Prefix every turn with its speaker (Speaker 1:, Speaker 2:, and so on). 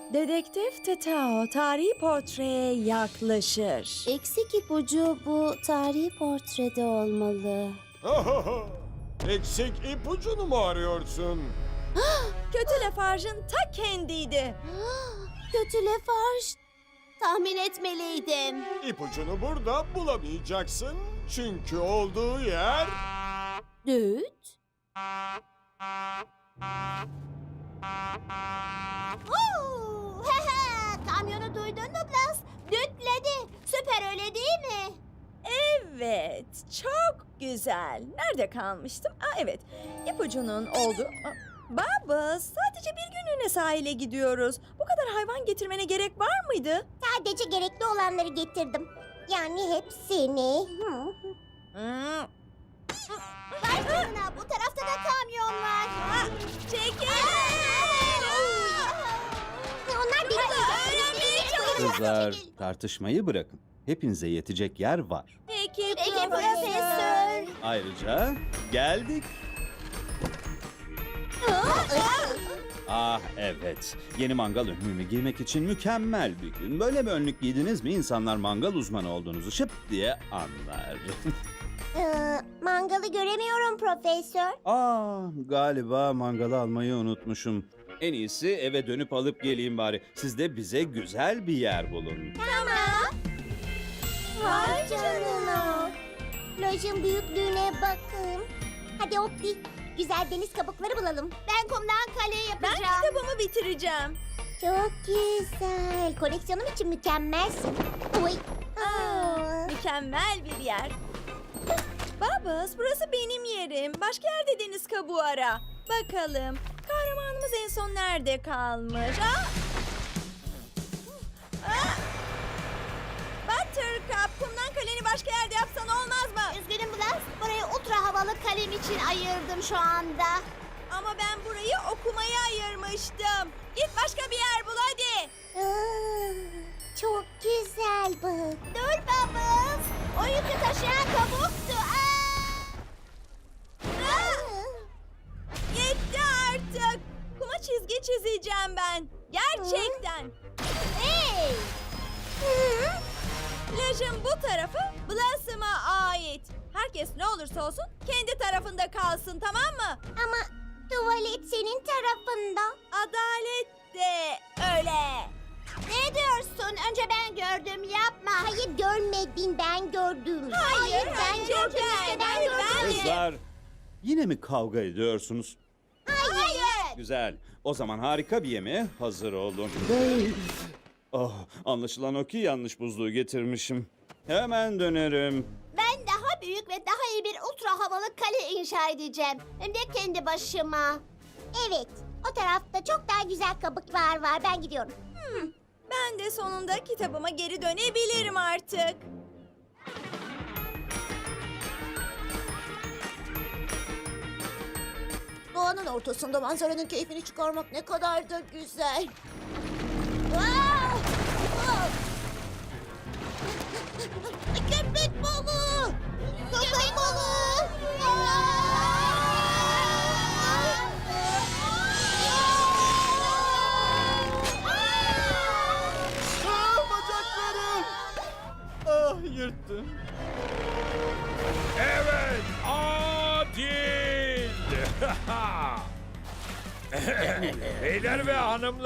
Speaker 1: Dedektif Tetao tarihi portreye yaklaşır.
Speaker 2: Eksik ipucu bu tarihi portrede olmalı.
Speaker 3: Eksik ipucunu mu arıyorsun?
Speaker 1: Kötü Lafarge'ın ta kendiydi.
Speaker 2: Kötü Lafarge. Tahmin etmeliydim.
Speaker 3: İpucunu burada bulamayacaksın. Çünkü olduğu yer...
Speaker 2: Düt. Kamyonu duydun mu Blas? Dütledi. Süper öyle değil mi?
Speaker 1: Evet, çok güzel. Nerede kalmıştım? Evet, ipucunun oldu. Baba, sadece bir günlüğüne sahile gidiyoruz. Bu kadar hayvan getirmene gerek var mıydı?
Speaker 2: Sadece gerekli olanları getirdim. Yani hepsini.
Speaker 1: Hmm.
Speaker 2: Vay canına, bu tarafta da kamyon var.
Speaker 1: Çekil!
Speaker 2: Onlar bir
Speaker 4: Kızlar, tartışmayı bırakın. Hepinize yetecek yer var.
Speaker 1: Peki,
Speaker 2: Peki profesör.
Speaker 4: Ayrıca geldik. Ah evet, yeni mangal önlüğümü giymek için mükemmel bir gün. Böyle bir önlük giydiniz mi insanlar mangal uzmanı olduğunuzu şıp diye anlar.
Speaker 2: Mangalı göremiyorum profesör.
Speaker 4: Galiba mangalı almayı unutmuşum. En iyisi eve dönüp alıp geleyim bari. Siz de bize güzel bir yer bulun.
Speaker 2: Vay canına. Plajın büyüklüğüne bakın. Hadi Opti, güzel deniz kabukları bulalım. Ben kumdan kale
Speaker 1: Ben
Speaker 2: yapacağım.
Speaker 1: kitabımı bitireceğim.
Speaker 2: Çok güzel. Koleksiyonum için mükemmelsin. Oy.
Speaker 1: Mükemmel bir yer. Babas, burası benim yerim. Başka yerde deniz kabuğu ara. Bakalım, kahramanımız en son nerede kalmış? Buttercup, kumdan kaleni başka yerde yapsan olmaz mı?
Speaker 2: Üzgünüm Blas. Burayı ultra havalı kalem için ayırdım şu anda.
Speaker 1: Ama ben burayı okumaya ayırmıştım. Git başka bir yer bul hadi.
Speaker 2: Çok güzel bu. Dur babam. O yükü taşıyan kabuktu.
Speaker 1: Yetti artık. Kuma çizgi çizeceğim ben. Gerçekten.
Speaker 2: Hey!
Speaker 1: Plajın bu tarafı Blossom'a ait. Herkes ne olursa olsun kendi tarafında kalsın, tamam mı?
Speaker 2: Ama tuvalet senin tarafında.
Speaker 1: Adalet de öyle.
Speaker 2: Ne diyorsun? Önce ben gördüm. Yapma. Hayır görmedin. Ben gördüm.
Speaker 1: Hayır,
Speaker 2: ben
Speaker 1: önce
Speaker 2: gördüm.
Speaker 1: ben,
Speaker 2: işte, ben
Speaker 1: hayır,
Speaker 2: gördüm.
Speaker 1: ben.
Speaker 4: Kızlar, yine mi kavga ediyorsunuz?
Speaker 2: Hayır.
Speaker 4: Güzel. O zaman harika bir yemeğe hazır olun. Oh, anlaşılan o ki yanlış buzluğu getirmişim. Hemen dönerim.
Speaker 2: Ben daha büyük ve daha iyi bir ultra havalı kale inşa edeceğim. Hem de kendi başıma. Evet. O tarafta çok daha güzel kabuklar var. Ben gidiyorum.
Speaker 1: Ben de sonunda kitabıma geri dönebilirim artık.
Speaker 2: Doğanın ortasında manzaranın keyfini çıkarmak ne kadar da güzel. Köpek balığı! Köpek balığı!
Speaker 3: Bacaklarım! Ah, yırttım.
Speaker 5: Evet, adil. Beyler ve hanımlar.